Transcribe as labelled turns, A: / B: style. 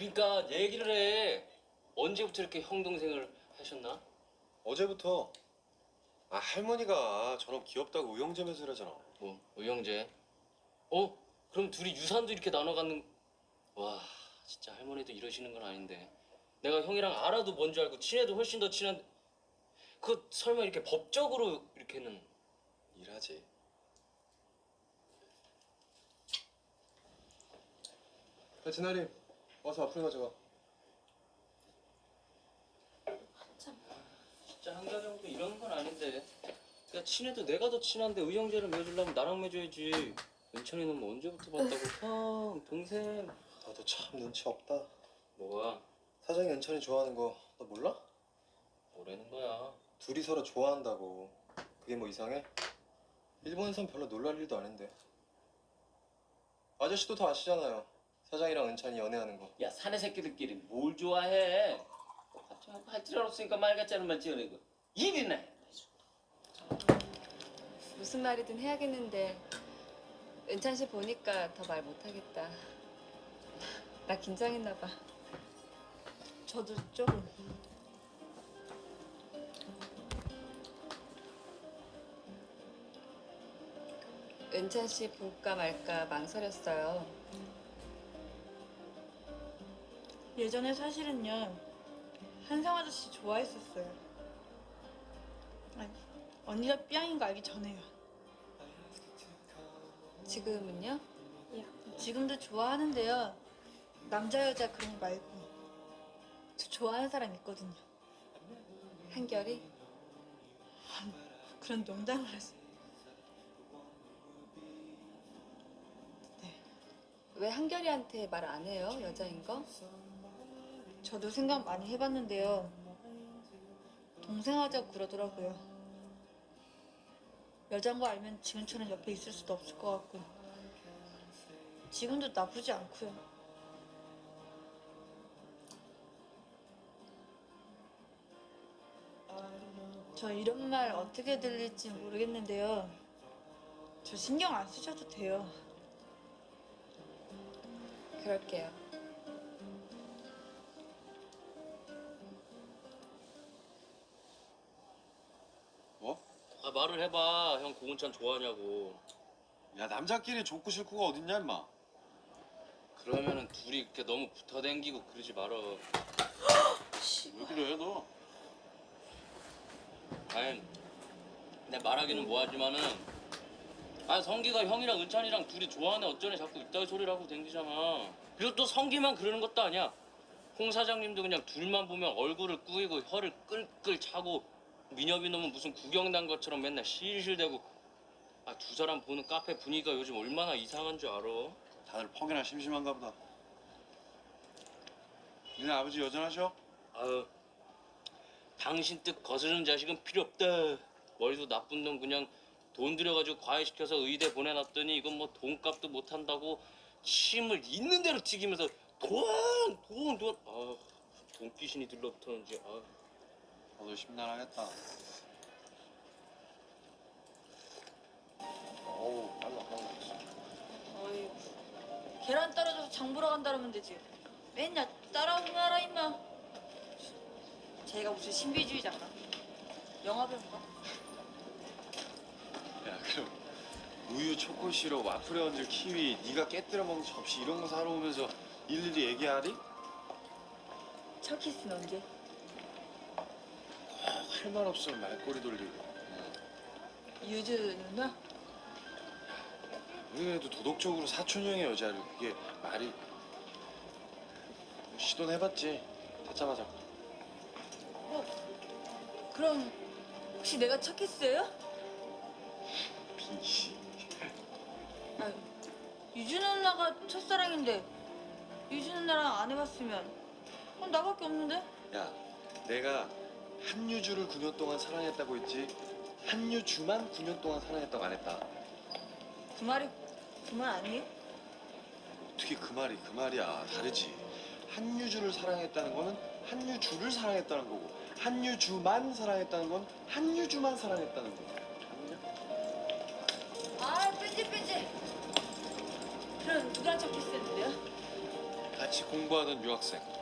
A: 그러니까 얘기를 해. 언제부터 이렇게 형 동생을 하셨나?
B: 어제부터. 아, 할머니가 저놈 귀엽다고 의형제 매질하잖아.
A: 뭐 의형제. 그럼 둘이 유산도 이렇게 나눠 갖는. 와 진짜 할머니도 이러시는 건 아닌데. 내가 형이랑 알아도 뭔 줄 알고 친해도 훨씬 더 친한데. 그 설마 이렇게 법적으로 이렇게는.
B: 일하지. 야, 진아리, 와서 앞으로 가져가.
A: 진짜 한가지 형도 이러는 건 아닌데. 야 친해도 내가 더 친한데 의형제를 맺으려면 나랑 맺어야지. 은찬이는 뭐 언제부터 봤다고. 형 동생.
B: 너도 참 눈치 없다.
A: 뭐가?
B: 사장이 은찬이 좋아하는 거 너 몰라?
A: 뭐라는 거야?
B: 둘이 서로 좋아한다고. 그게 뭐 이상해? 일본에선 별로 놀랄 일도 아닌데. 아저씨도 다 아시잖아요. 사장이랑 은찬이 연애하는 거.
C: 야 사내 새끼들끼리 뭘 좋아해? 갑자기 할 줄 알았으니까 말 같지 않은 말 지어내고 일이나 해.
D: 무슨 말이든 해야겠는데 은찬 씨 보니까 더 말 못하겠다. 나 긴장했나 봐.
E: 저도 조금.
D: 은찬 씨 볼까 말까 망설였어요.
E: 예전에 사실은요 한상 아저씨 좋아했었어요. 아니, 언니가 삐양인 거 알기 전에요.
D: 지금은요?
E: 지금도 좋아하는데요. 남자 여자 그런 거 말고 저 좋아하는 사람 있거든요.
D: 한결이?
E: 그런 농담을 하세요.
D: 왜 한결이한테 말 안 해요? 여자인 거?
E: 저도 생각 많이 해봤는데요. 동생 하자고 그러더라고요. 여잔 거 알면 지금처럼 옆에 있을 수도 없을 것 같고 지금도 나쁘지 않고요. 저 이런 말 어떻게 들릴지 모르겠는데요. 저 신경 안 쓰셔도 돼요.
D: 그럴게요.
B: 뭐?
A: 아 말을 해봐. 형 고은찬 좋아하냐고.
B: 야, 남자끼리 좋고 싫고가 어딨냐, 임마.
A: 그러면은 둘이 이렇게 너무 붙어댕기고 그러지 말어.
B: 왜 그래, 너?
A: 아니 내 말하기는 뭐하지만은 성기가 형이랑 은찬이랑 둘이 좋아하네 어쩌네 자꾸 이따위 소리를 하고 댕기잖아. 그리고 또 성기만 그러는 것도 아니야. 홍 사장님도 그냥 둘만 보면 얼굴을 꾸이고 혀를 끌끌 차고 민혁이 놈은 무슨 구경난 것처럼 맨날 실실대고. 두 사람 보는 카페 분위기가 요즘 얼마나 이상한 줄 알아?
B: 다들 퍽이나 심심한가 보다. 니네 아버지 여전하셔?
A: 아유 당신 뜻 거스르는 자식은 필요 없다. 머리도 나쁜 놈 그냥 돈 들여가지고 과외시켜서 의대 보내놨더니 이건 뭐 돈값도 못한다고 침을 있는 대로 튀기면서 돈. 돈 귀신이 들러붙었는지.
B: 너도 심란하겠다. 어우, 빨라.
E: 어이, 계란 떨어져서 장 보러 간다면 되지. 맨날 따라오고 말아 임마. 제가 무슨 신비주의자인가? 영화 배우인가?
B: 야, 그럼 우유, 초코 시럽, 와플에 얹을 키위, 네가 깨뜨려 먹는 접시 이런 거 사러 오면서 일일이 얘기하리?
E: 첫 키스는 언제?
B: 할 말 없으면 말꼬리 돌리고.
E: 유주 누나?
B: 우리 그래도 도덕적으로 사촌형의 여자를 그게 말이. 시도는 해봤지. 찾자마자.
E: 그럼 혹시 내가 첫 키스예요?
B: 빈씨.
E: 아니, 유주 누나가 첫사랑인데 유주 누나랑 안 해봤으면 그럼 나밖에 없는데?
B: 야, 내가 한유주를 9년 동안 사랑했다고 했지. 한유주만 9년 동안 사랑했다고 안 했다.
E: 그 말이 그 말 아니에요?
B: 어떻게 그 말이야. 다르지. 한유주를 사랑했다는 거는 한유주를 사랑했다는 거고, 한유주만 사랑했다는 건 한유주만 사랑했다는 거고.
E: 아 뺀지 그럼 누가 첫 키스했는데요?
B: 같이 같이 공부하던 유학생.